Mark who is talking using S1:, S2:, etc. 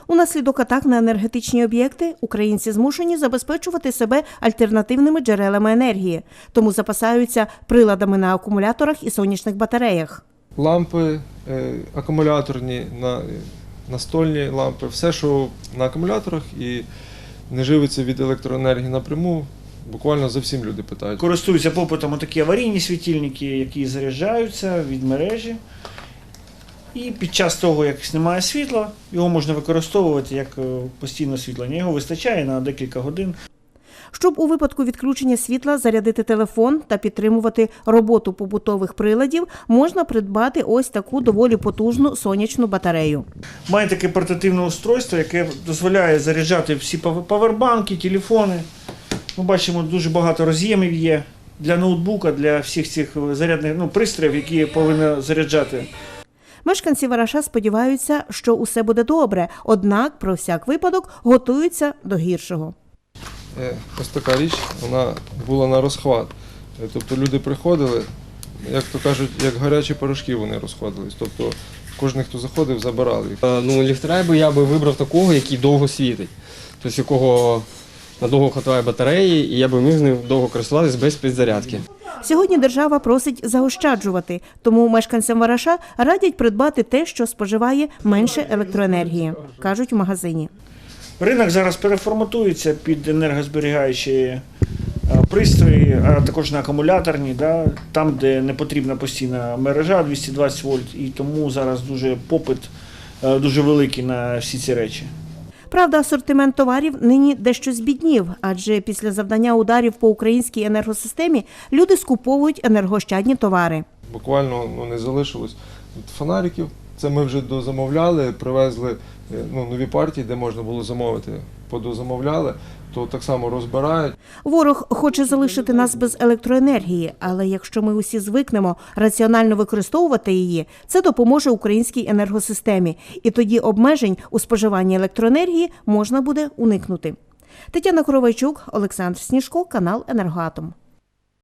S1: Унаслідок атак на енергетичні об'єкти українці змушені забезпечувати себе альтернативними джерелами енергії, тому запасаються приладами на акумуляторах і сонячних батареях.
S2: Лампи акумуляторні, настольні лампи, все, що на акумуляторах і не живиться від електроенергії напряму, буквально зовсім люди питають.
S3: Користуються попитом такі аварійні світильники, які заряджаються від мережі. І під час того, як немає світла, його можна використовувати як постійне освітлення. Його вистачає на декілька годин.
S1: Щоб у випадку відключення світла зарядити телефон та підтримувати роботу побутових приладів, можна придбати ось таку доволі потужну сонячну батарею.
S3: Має таке портативне устройство, яке дозволяє заряджати всі павербанки, телефони. Ми бачимо, дуже багато роз'ємів є для ноутбука, для всіх цих зарядних пристроїв, які повинні заряджати.
S1: Мешканці Вараша сподіваються, що усе буде добре, однак про всяк випадок готуються до гіршого.
S2: Ось така річ, вона була на розхват. Тобто люди приходили, як то кажуть, як гарячі порошки вони розходились. Тобто кожен, хто заходив, забирали їх.
S4: Ліхтаря я би вибрав такого, який довго світить. Тобто якого надовго хватає батареї, і я би міг з ним довго користуватися без підзарядки.
S1: Сьогодні держава просить заощаджувати, тому мешканцям Вараша радять придбати те, що споживає менше електроенергії, кажуть в магазині.
S3: Ринок зараз переформатується під енергозберігаючі пристрої, а також на акумуляторні, там, де не потрібна постійна мережа 220 вольт, і тому зараз попит дуже великий на всі ці речі.
S1: Правда, асортимент товарів нині дещо збіднів, адже після завдання ударів по українській енергосистемі люди скуповують енергоощадні товари.
S2: Буквально не залишилось фонариків. Це ми вже дозамовляли, привезли нові партії, де можна було замовити. Подозамовляли, то так само розбирають.
S1: Ворог хоче залишити нас без електроенергії, але якщо ми усі звикнемо раціонально використовувати її, це допоможе українській енергосистемі. І тоді обмежень у споживанні електроенергії можна буде уникнути. Тетяна Коровайчук, Олександр Сніжко, канал «Енергоатом».